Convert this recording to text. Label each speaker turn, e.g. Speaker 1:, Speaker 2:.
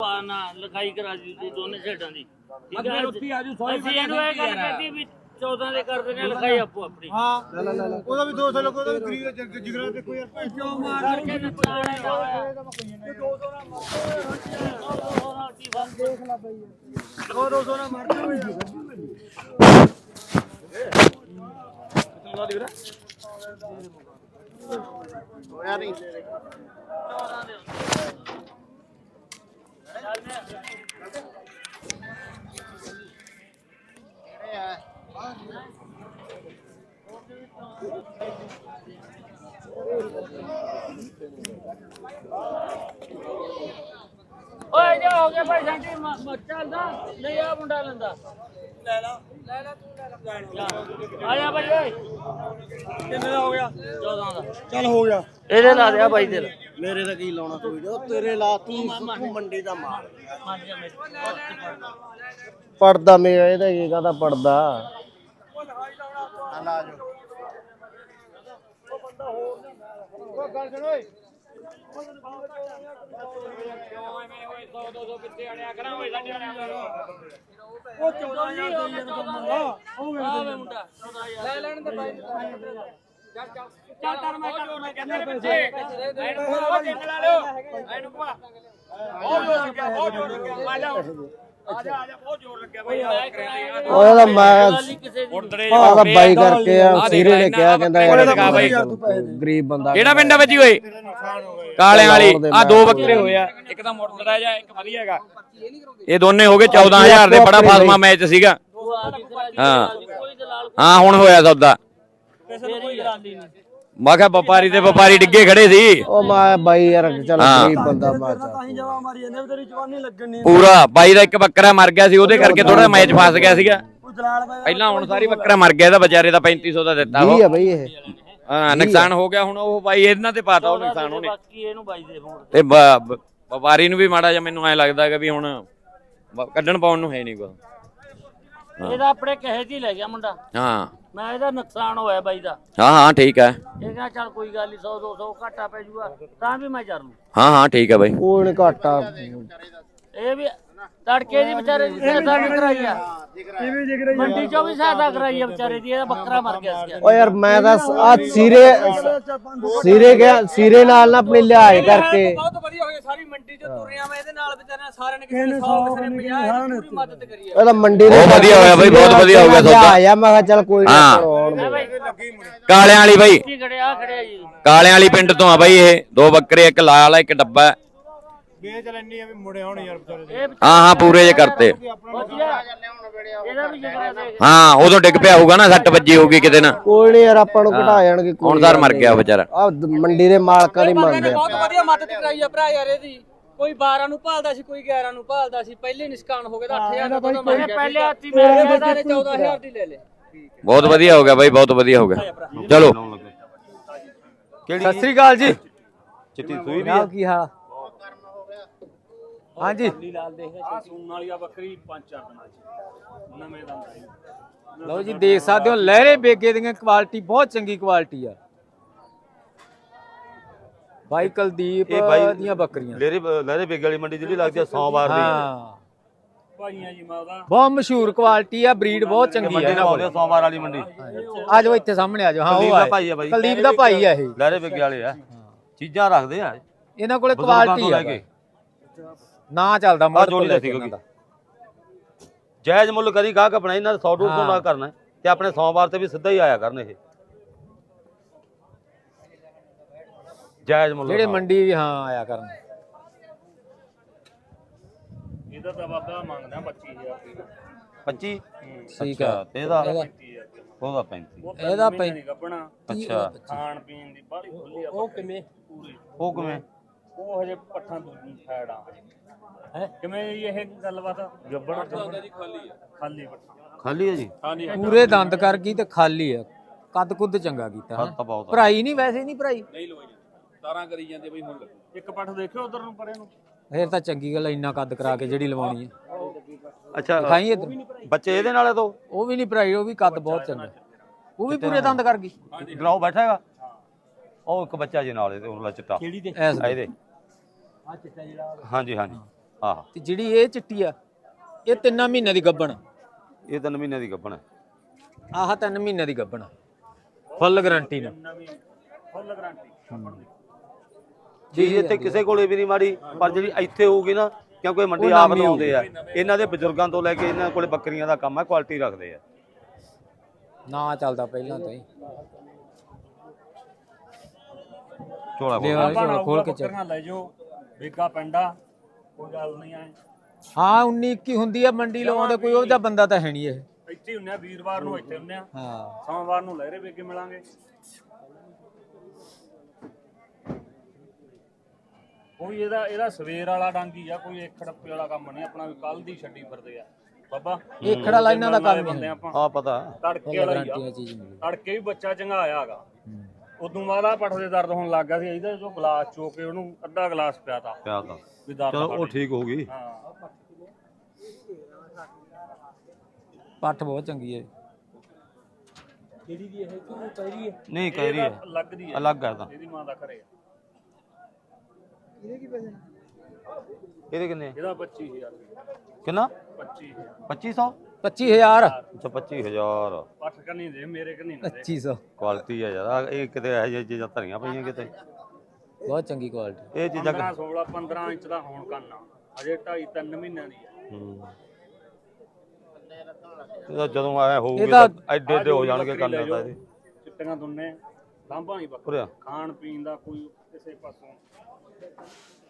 Speaker 1: ਨਾ ਲਿਖਾਈ ਕਰਾ ਦੀ ਦੋਨੇ ਸਾਈਡਾਂ ਦੀ ਠੀਕ ਹੈ। ਅਸੀਂ ਇਹਨੂੰ ਇਹ ਗੱਲ ਕਹਤੀ ਵੀ 14 ਦੇ ਕਰ ਦਿੰਦੇ ਲਿਖਾਈ ਆਪੋ ਆਪਣੀ। ਹਾਂ ਉਹਦਾ ਵੀ 200 ਲੱਗੋ, ਉਹਦਾ ਵੀ ਗਰੀਬ ਦਾ ਜਿਗਰਾ ਤੇ ਕੋਈ ਯਾਰ ਕਿਉਂ ਮਾਰ ਕੇ ਨੁਕਸਾਨ ਹੈ ਹੋਇਆ 200 ਨਾ ਮਾਰ ਦੇਖ ਲੈ ਬਈ 200 ਨਾ ਮਾਰ ਦੇ ਕਿੰਨਾ ਦੀ ਵੀਰੇ ਹੋਇਆ ਨਹੀਂ 14 ਦੇ ਓਏ ਜਾ ਹੋ ਗਿਆ ਭਾਈ ਸਾਡੀ ਚੱਲਦਾ ਨਹੀਂ ਆ ਮੁੰਡਾ ਲੈਂਦਾ ਲੈ ਲਾ ਤੂੰ ਲੈ ਲਾ ਆ ਜਾ ਭਾਈ ਓਏ ਕਿੰਨੇ ਦਾ ਹੋ ਗਿਆ 14 ਦਾ ਚੱਲ ਹੋ ਗਿਆ ਇਹਦੇ ਲਾ ਦਿਆ ਬਾਈ ਦੇ ਮੇਰੇ ਤਾਂ ਕੀ ਲਾਉਣਾ ਕੋਈ ਜੋ ਤੇਰੇ ਲਾ ਤੂੰ ਮੰਡੀ ਦਾ ਮਾਲ ਪੜਦਾ ਮੇਰਾ ਇਹਦਾ ਕੀ ਕਹਦਾ ਪੜਦਾ ਲਾ ਜੋ ਉਹ ਬੰਦਾ ਹੋਰ ਨਹੀਂ ਉਹ ਗੱਲ ਸੁਣ ਓਏ ਕਿੱਥੇ ਆਣਿਆ ਕਰਾਂ ਓਏ ਸਾਡੇ ਆਣਿਆ ਉਹ 14000 ਮੁੰਡਾ ਲੈ ਲੈਣ ਦੇ ਬਾਈ ਚੱਲ ਕਰ ਮੈਂ ਕਹਿੰਦਾ ਪੈਸੇ ਉਹ ਜਿੰਨ ਲਾ ਲਿਓ ਇਹਨੂੰ ਪਾ ਬਹੁਤ ਜ਼ੋਰ ਲੱਗਿਆ ਆ ਜਾ ਬਹੁਤ ਜ਼ੋਰ ਲੱਗਿਆ ਬਾਈ ਉਹਦਾ ਮੈਂ ਉਹਦਾ ਬਾਈ ਕਰਕੇ ਆ ਸੀਰੇ ਨੇ ਕਿਹਾ ਕਹਿੰਦਾ ਗਰੀਬ ਬੰਦਾ
Speaker 2: ਕਿਹੜਾ ਪਿੰਡ ਆ ਬੱਜੀ ਓਏ ਕਾਲਿਆਂ ਵਾਲੀ ਆ ਦੋ ਬੱਕਰੇ ਹੋਏ ਆ ਇੱਕ ਤਾਂ ਮੁਰਤਦਾ ਜਾ ਇੱਕ ਵਧੀਆ ਹੈਗਾ ਇਹ ਦੋਨੇ ਹੋ ਗਏ 14000 ਦੇ ਬੜਾ ਫਾਸਮਾ ਮੈਚ ਸੀਗਾ ਹਾਂ ਹੁਣ ਹੋਇਆ ਸੌਦਾ ਮੈਂ ਕਿਹਾ ਵਪਾਰੀ ਤੇ ਵਪਾਰੀ ਡਿੱਗੇ ਖੜੇ ਸੀ
Speaker 1: ਉਹ ਮੈਂ ਬਾਈ ਯਾਰ ਚੱਲ ਗਰੀਬ ਬੰਦਾ ਮੈਂ ਤਾਂ ਹੀ ਜਵਾ ਮਾਰੀ ਜਾਂਦੇ ਤੇਰੀ ਜਵਾਨੀ ਲੱਗਣੀ
Speaker 2: ਪੂਰਾ ਬਾਈ ਦਾ ਇੱਕ ਬੱਕਰਾ ਮਰ ਗਿਆ ਸੀ ਉਹਦੇ ਕਰਕੇ ਥੋੜਾ ਮੈਚ ਫਸ ਗਿਆ ਸੀਗਾ ਪਹਿਲਾਂ ਹੁਣ ਸਾਰੀ ਬੱਕਰਾ ਮਰ ਗਿਆ ਇਹਦਾ ਵਿਚਾਰੇ ਦਾ 3500 ਦਾ ਦਿੱਤਾ ਉਹ
Speaker 1: ਬਈ ਇਹ
Speaker 2: ਹਾਂ ਨੁਕਸਾਨ ਹੋ ਗਿਆ ਹੁਣ ਉਹ ਬਾਈ ਇਹਨਾਂ ਤੇ ਪਾਤਾ ਉਹ ਨੁਕਸਾਨ ਉਹਨੇ
Speaker 1: ਬਾਕੀ ਇਹਨੂੰ ਬਾਈ ਦੇ ਫੋਨ
Speaker 2: ਤੇ ਵਪਾਰੀ ਨੂੰ ਵੀ ਮਾੜਾ ਜਿਹਾ ਮੈਨੂੰ ਐ ਲੱਗਦਾ ਕਿ ਵੀ ਹੁਣ ਕੱਢਣ ਪਾਉਣ ਨੂੰ ਹੈ ਨਹੀਂ ਕੋਈ
Speaker 1: ਇਹਦਾ ਆਪਣੇ ਕਹੇ ਦੀ ਲੈ ਗਿਆ ਮੁੰਡਾ
Speaker 2: ਹਾਂ
Speaker 1: ਮੈਂ ਇਹਦਾ ਨੁਕਸਾਨ ਹੋਇਆ ਬਾਈ ਦਾ
Speaker 2: ਹਾਂ ਠੀਕ ਹੈ
Speaker 1: ਇਹ ਕਹਿੰਦਾ ਚੱਲ ਕੋਈ ਗੱਲ ਨਹੀਂ 100 200 ਘਾਟਾ ਪੈ ਜੂਗਾ ਤਾਂ ਵੀ ਮੈਂ ਚੱਲ ਲੂ
Speaker 2: ਹਾਂ ਠੀਕ ਹੈ ਬਾਈ
Speaker 1: ਕੋਈ ਘਾਟਾ ਇਹ ਵੀ ਤੜਕੇ ਦੀ ਵਿਚਾਰੇ ਦੀ ਸਹਾਇਤਾ ਵੀ ਕਰਾਈ ਆ ਮੰਡੀ ਚੋਂ ਵੀ ਸਹਾਇਤਾ ਕਰਾਈ ਆ ਵਿਚਾਰੇ ਦੀ ਇਹਦਾ ਬੱਕਰਾ ਮਰ ਗਿਆ ਸੀ ਓ ਯਾਰ ਮੈਂ ਤਾਂ ਆ ਸੀਰੇ ਨਾਲ ਨਾ ਆਪਣੀ ਲਿਆਏ ਕਰਕੇ
Speaker 3: ਬਹੁਤ ਵਧੀਆ ਹੋਇਆ ਸਾਰੀ ਮੰਡੀ ਚੋਂ ਤੁਰਿਆ ਮੈਂ ਇਹਦੇ ਨਾਲ ਵਿਚਾਰਿਆਂ ਸਾਰਿਆਂ ਨੇ ਕਿਸੇ ਨੇ 100 ਕਿਸੇ ਨੇ 50 ਪੂਰੀ ਮਦਦ ਕਰੀ ਆ
Speaker 1: ਇਹਦਾ ਮੰਡੀ
Speaker 2: ਬਹੁਤ ਵਧੀਆ ਹੋਇਆ ਬਾਈ ਬਹੁਤ ਵਧੀਆ ਹੋ ਗਿਆ ਸੌਦਾ
Speaker 1: ਆਇਆ ਮੈਂ ਕਿਹਾ ਚੱਲ ਕੋਈ
Speaker 2: ਕਾਲਿਆਂ ਵਾਲੀ ਬਾਈ
Speaker 1: ਖੜਿਆ ਜੀ
Speaker 2: ਕਾਲਿਆਂ ਵਾਲੀ ਪਿੰਡ ਤੋਂ ਆ ਬਾਈ ਇਹ ਦੋ ਬੱਕਰੇ ਇੱਕ ਲਾਲ ਆ ਇੱਕ ਡੱਬਾ
Speaker 3: ਵੇਚ ਲੈਣੀ ਆ ਵੀ ਮੁੜੇ ਹੋਣ ਯਾਰ ਵਿਚਾਰੇ
Speaker 2: ਹਾਂ ਪੂਰੇ ਜੇ ਕਰਤੇ
Speaker 1: ਇਹਦਾ ਵੀ ਜਿਗਰਾ ਦੇ
Speaker 2: ਹਾਂ ਉਦੋਂ ਡਿੱਗ ਪਿਆ ਹੋਊਗਾ ਨਾ ਸੱਟ ਵੱਜੀ ਹੋਊਗੀ ਕਿਤੇ ਨਾ
Speaker 1: ਕੋਈ ਨਹੀਂ ਯਾਰ ਆਪਾਂ ਨੂੰ ਘਟਾ ਜਾਣਗੇ
Speaker 2: ਹੁਣ ਸਰ ਮਰ ਗਿਆ ਵਿਚਾਰਾ
Speaker 1: ਆ ਮੰਡੀ ਦੇ ਮਾਲਕਾਂ ਦੀ ਮੰਨਦੇ
Speaker 3: ਬਹੁਤ ਵਧੀਆ ਮਦਦ ਕਰਾਈ ਆ ਭਰਾ ਯਾਰ ਇਹਦੀ ਕੋਈ 12 ਨੂੰ ਭਾਲਦਾ ਸੀ ਕੋਈ 11 ਨੂੰ ਭਾਲਦਾ ਸੀ ਪਹਿਲੇ ਨਿਸ਼ਕਾਨ ਹੋ ਗਿਆ ਤਾਂ 8000 ਦਾ ਪਤਾ ਮਰ ਗਿਆ ਪਹਿਲੇ ਹੱਥੀ ਮੈਂ 14000 ਦੀ ਲੈ ਲੈ
Speaker 2: ਬਹੁਤ ਵਧੀਆ ਹੋ ਗਿਆ ਬਾਈ ਬਹੁਤ ਵਧੀਆ ਹੋ ਗਿਆ ਚਲੋ
Speaker 4: ਸਤਿ ਸ੍ਰੀ ਅਕਾਲ ਜੀ
Speaker 2: ਚਿੱਟੀ ਸੂਈ ਵੀ
Speaker 4: ਕੀ ਹਾਲ ਹਾਂਜੀ
Speaker 3: ਆ ਸੂਣ ਵਾਲੀ ਆ ਬੱਕਰੀ 5-4 ਦਿਨਾਂ ਚ ਨਵੇਂ ਦੰਦ
Speaker 4: ਲਓ ਜੀ ਦੇਖ ਸਕਦੇ ਹੋ ਲਹਿਰੇ ਬੇਗੇ ਦੀਆਂ ਕੁਆਲਿਟੀ ਬਹੁਤ ਚੰਗੀ ਕੁਆਲਿਟੀ ਆ ਬਾਈ ਕੁਲਦੀਪ ਦੀਆਂ ਬੱਕਰੀਆਂ
Speaker 5: ਲਹਿਰੇ ਬੇਗੇ ਵਾਲੀ ਮੰਡੀ ਜਿਹੜੀ ਲੱਗਦੀ ਆ ਸੋਮਵਾਰ ਦੀ
Speaker 4: ਹਾਂ
Speaker 3: ਭਾਈਆਂ ਜੀ ਮਾਦਾ
Speaker 4: ਬਹੁਤ ਮਸ਼ਹੂਰ ਕੁਆਲਿਟੀ ਆ ਬਰੀਡ ਬਹੁਤ ਚੰਗੀ
Speaker 5: ਮੰਡੀ ਨਾ ਬੋਲਦੇ ਸੋਮਵਾਰ ਵਾਲੀ ਮੰਡੀ
Speaker 4: ਆ ਜਾਓ ਇੱਥੇ ਸਾਹਮਣੇ ਆ ਜਾਓ ਹਾਂ ਉਹ
Speaker 5: ਭਾਈ ਆ ਬਾਈ
Speaker 4: ਕੁਲਦੀਪ ਦਾ ਭਾਈ ਆ ਇਹ
Speaker 5: ਲਹਿਰੇ ਬੇਗੇ ਵਾਲੇ ਆ ਚੀਜ਼ਾਂ ਰੱਖਦੇ ਆ
Speaker 4: ਇਹਨਾਂ ਕੋਲੇ ਕੁਆਲਿਟੀ ਆ ਨਾ ਚੱਲਦਾ ਮੁੱਲ
Speaker 5: ਜੋੜੀ ਲੈ ਸੀ ਜਾਇਜ਼ ਮੁੱਲ ਕਰੀ ਗਾਹਕ ਆਪਣਾ ਇਹਨਾਂ 100 200 ਨਾ ਕਰਨਾ ਤੇ ਆਪਣੇ ਸੋਮਵਾਰ ਤੇ ਵੀ ਸਿੱਧਾ ਹੀ ਆਇਆ ਕਰਨ ਇਹ ਜਾਇਜ਼ ਮੁੱਲ
Speaker 4: ਜਿਹੜੇ ਮੰਡੀ ਵੀ ਹਾਂ ਆਇਆ ਕਰਨ
Speaker 3: ਇਹਦਾ ਤਾਂ ਬਾਬਾ ਮੰਗਦਾ 25000
Speaker 5: 25
Speaker 4: ਠੀਕ ਆ
Speaker 5: ਤੇ ਇਹਦਾ ਉਹਦਾ 35
Speaker 4: ਇਹਦਾ
Speaker 3: ਨਹੀਂ ਗੱਬਣਾ
Speaker 5: ਅੱਛਾ
Speaker 3: ਖਾਣ ਪੀਣ ਦੀ ਬਾਹਲੀ ਖੁੱਲੀ ਆ
Speaker 1: ਉਹ ਕਿਵੇਂ
Speaker 3: ਪੂਰੀ
Speaker 5: ਉਹ ਕਿਵੇਂ
Speaker 3: ਉਹ ਹਜੇ ਪੱਠਾਂ ਦੂਜੀ ਸਾਈਡ ਆ ਹੈ ਕਿਵੇਂ ਇਹ ਗੱਲਬਾਤ ਗੱਬਣਾ ਖਾਲੀ ਪੱਠਾ
Speaker 5: ਖਾਲੀ ਹੈ ਜੀ
Speaker 3: ਹਾਂਜੀ
Speaker 4: ਪੂਰੇ ਦੰਦ ਕਰ ਗਈ ਤੇ ਖਾਲੀ ਆ ਕੱਦ ਕੁੱਦ ਚੰਗਾ ਕੀਤਾ
Speaker 5: ਹੱਥ ਬਹੁਤ
Speaker 4: ਭਰਾਈ ਨਹੀਂ ਵੈਸੇ ਨਹੀਂ ਭਰਾਈ
Speaker 3: ਨਹੀਂ ਲੋਈ ਤਾਰਾਂ ਕਰੀ ਜਾਂਦੇ ਬਈ ਹੁਣ ਇੱਕ ਪੱਠ ਦੇਖਿਓ ਉਧਰ ਨੂੰ ਪਰੇ ਨੂੰ
Speaker 4: ਫੇਰ ਤਾਂ ਚੰਗੀ ਗੱਲ ਇੰਨਾ ਕੱਦ ਕਰਾ ਕੇ ਜਿਹੜੀ ਲਵਾਉਣੀ ਹੈ
Speaker 5: ਅੱਛਾ
Speaker 4: ਦਿਖਾਈ ਇਧਰ
Speaker 5: ਬੱਚੇ ਇਹਦੇ ਨਾਲ ਤੋਂ
Speaker 4: ਉਹ ਵੀ ਨਹੀਂ ਭਰਾਈ ਉਹ ਵੀ ਕੱਦ ਬਹੁਤ ਚੰਗਾ ਉਹ ਵੀ ਪੂਰੇ ਦੰਦ ਕਰ ਗਈ
Speaker 5: ਗਲਾਉ ਬੈਠਾ ਹੈਗਾ ਉਹ ਇੱਕ ਬੱਚਾ ਜੀ ਨਾਲ ਇਹਦੇ ਉਹਲਾ ਚਿੱਟਾ
Speaker 4: ਕਿਹੜੀ ਦੇ
Speaker 5: ਇਹਦੇ ਆ ਚਿੱਟਾ ਜਿਹੜਾ ਹਾਂਜੀ ਹਾਂਜੀ ਆਹ
Speaker 4: ਤੇ ਜਿਹੜੀ ਇਹ ਚਿੱਟੀ ਆ ਇਹ 3 ਮਹੀਨਿਆਂ ਦੀ ਗੱਭਣ।
Speaker 5: ਇਹ 3 ਮਹੀਨਿਆਂ ਦੀ ਗੱਭਣ ਹੈ।
Speaker 4: ਆਹ 3 ਮਹੀਨਿਆਂ ਦੀ ਗੱਭਣ ਫੁੱਲ ਗਾਰੰਟੀ ਨਾਲ।
Speaker 1: ਫੁੱਲ ਗਾਰੰਟੀ
Speaker 5: ਚੀਜ਼ ਇੱਥੇ ਕਿਸੇ ਕੋਲੇ ਵੀ ਨਹੀਂ ਮਾੜੀ, ਪਰ ਜਿਹੜੀ ਇੱਥੇ ਹੋਊਗੀ ਨਾ, ਕਿਉਂਕਿ ਮੰਡੀ ਆਪ ਨੂੰ ਆਉਂਦੇ ਆ, ਇਹਨਾਂ ਦੇ ਬਜ਼ੁਰਗਾਂ ਤੋਂ ਲੈ ਕੇ ਇਹਨਾਂ ਕੋਲੇ ਬੱਕਰੀਆਂ ਦਾ ਕੰਮ ਹੈ, ਕੁਆਲਿਟੀ ਰੱਖਦੇ ਆ।
Speaker 4: ਨਾ ਚੱਲਦਾ ਪਹਿਲਾਂ ਤੋਂ ਹੀ।
Speaker 5: ਝੋਲਾ
Speaker 4: ਖੋਲ ਕੇ ਚੱਲ।
Speaker 1: ਬੱਕਰੀਆਂ ਲੈ ਜਾਓ, ਵੇਗਾ ਪੈਂਦਾ, ਕੋਈ ਗੱਲ ਨਹੀਂ ਆਏ।
Speaker 4: ਹਾਂ 19 21 ਹੁੰਦੀ ਆ ਮੰਡੀ ਲਵਾਉਂਦੇ, ਕੋਈ ਉਹਦਾ ਬੰਦਾ ਤਾਂ ਹੈ ਨਹੀਂ ਇਹ।
Speaker 1: ਇੱਥੇ ਹੁੰਨੇ ਆ, ਵੀਰਵਾਰ ਨੂੰ ਇੱਥੇ ਹੁੰਨੇ ਆ,
Speaker 4: ਹਾਂ
Speaker 1: ਸੋਮਵਾਰ ਨੂੰ ਲਹਿਰੇ ਵੇਗੇ ਮਿਲਾਂਗੇ। ਕੋਈ ਇਹਦਾ ਸਵੇਰ ਵਾਲਾ ਡਾਂਗੀ ਆ, ਕੋਈ ਇੱਕ ਖੜੱਪੇ ਵਾਲਾ ਕੰਮ ਨਹੀਂ ਆਪਣਾ, ਵੀ ਕੱਲ ਦੀ ਛੱਡੀ ਫਿਰਦੇ ਆ ਬਾਬਾ।
Speaker 4: ਇਹ ਖੜਾ ਲਾਈਨਾਂ ਦਾ ਕੰਮ
Speaker 1: ਬੰਦੇ
Speaker 4: ਨਹੀਂ।
Speaker 1: ਆਪਾਂ
Speaker 5: ਆ ਪਤਾ
Speaker 1: ਤੜਕੇ ਵਾਲਾ ਹੀ
Speaker 4: ਗਾਰੰਟੀ
Speaker 1: ਆ,
Speaker 4: ਚੀਜ਼ ਮਿਲਦੀ।
Speaker 1: ਤੜਕੇ ਵੀ ਬੱਚਾ ਚੰਗਾਇਆ ਹੈਗਾ। ਉਦੋਂ ਬਾਅਦ ਆ ਪੱਠ ਦੇ ਦਰਦ ਹੋਣ ਲੱਗ ਗਿਆ ਸੀ, ਇਹਦਾ ਜੋ ਗਲਾਸ ਚੋ ਕੇ ਉਹਨੂੰ ਅੱਧਾ ਗਲਾਸ ਪਿਆਤਾ
Speaker 5: ਪਿਆ ਤਾਂ
Speaker 1: ਵੀ ਦਰਦ
Speaker 5: ਚਲੋ ਉਹ ਠੀਕ ਹੋ ਗਈ।
Speaker 1: ਹਾਂ
Speaker 4: ਪੱਠ ਬਹੁਤ ਚੰਗੀ ਹੈ।
Speaker 5: ਨਹੀਂ ਕਹਿ ਰਹੀ ਹੈ,
Speaker 1: ਲੱਗਦੀ ਹੈ,
Speaker 5: ਅਲੱਗ ਹੈ ਤਾਂ।
Speaker 1: ਇਹਦੀ ਮਾਂ ਦਾ ਘਰੇ ਆ।
Speaker 5: ਇਹਦੇ ਕਿੰਨੇ ਆ?
Speaker 1: ਇਹਦਾ 25000
Speaker 5: ਕਿੰਨਾ
Speaker 1: 25000
Speaker 5: 2500
Speaker 4: 25000
Speaker 5: ਅੱਛਾ 25000
Speaker 1: ਪੱਠ ਕਰਨੀ ਦੇ ਮੇਰੇ ਕਰਨੀ ਨਾ ਦੇ
Speaker 4: 2500
Speaker 5: ਕੁਆਲਿਟੀ ਹੈ ਯਾਰ। ਆਹ ਇਹ ਕਿਤੇ ਇਹੋ ਜਿਹੀਆਂ ਚੀਜ਼ਾਂ ਧਰੀਆਂ ਪਈਆਂ ਕਿਤੇ।
Speaker 4: ਬਹੁਤ ਚੰਗੀ ਕੁਆਲਿਟੀ।
Speaker 5: ਇਹ ਚੀਜ਼ਾਂ
Speaker 1: 15 16 15 ਇੰਚ ਦਾ ਹੋਣ ਕਰਨਾ, ਅਜੇ 2.5 3 ਮਹੀਨਿਆਂ ਦੀ ਹੈ।
Speaker 5: ਇਹਦਾ ਜਦੋਂ ਆਇਆ ਹੋਊਗਾ ਤਾਂ ਐਡੇ ਐਡੇ ਹੋ ਜਾਣਗੇ ਕੰਨ ਤਾਂ ਇਹਦੇ।
Speaker 1: ਚਿੱਟੀਆਂ ਦੁੰਨੇ ਲਾਂਭਾ ਨਹੀਂ
Speaker 5: ਉਰੇ
Speaker 1: ਬੱਕਰਾ,
Speaker 5: ਆ।
Speaker 1: ਖਾਣ ਪੀਣ ਦਾ ਕੋਈ ਕਿਸੇ ਪਾਸੋਂ